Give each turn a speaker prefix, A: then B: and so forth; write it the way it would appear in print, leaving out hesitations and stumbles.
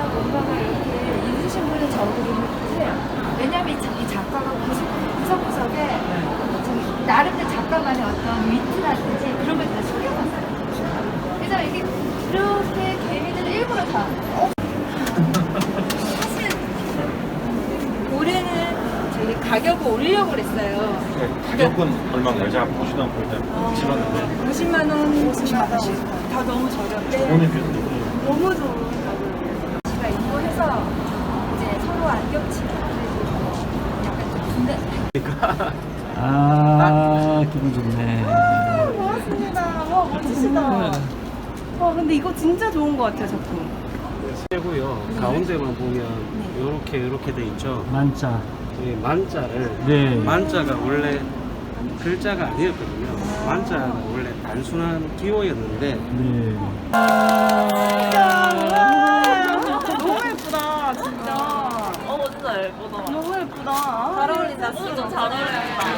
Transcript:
A: 뭔가가 이렇게 있으신 분은 적으는데 왜냐면 이 작가가 구석구석에 좀 나름대로 작가만의 어떤 위트라든지 그런 걸 다 숨겨놨어요. 그래서 이게 그렇게 개미들 일부러 다 사실 올해는 저희 가격을 올리려고 그랬어요.
B: 네, 가격은 얼마인가요? 제가 보시던 볼때 질렀는데
A: 50만 원, 50만 원씩 다 너무 저렴해.
B: 저번에 비해서
A: 너무 좋은 가격이에요. 제가 인도해서 이제 서로 안 겹치게 약간 좀 분단.
C: 아, 기분 좋네.
D: 고맙습니다. 와, 멋지시다. 와, 근데 이거 진짜 좋은 것 같아요, 작품.
E: 세고요. 가운데만 보면 이렇게 돼 있죠.
C: 만자.
E: 이 만자를
C: 네.
E: 만자가 원래 글자가 아니었거든요. 만자가 원래 단순한 기호였는데
C: 네.
D: 너무 예쁘다, 진짜.
F: 진짜 예쁘다.
D: 너무 예쁘다.
F: 잘 어울린다. 좀 잘 어울린다.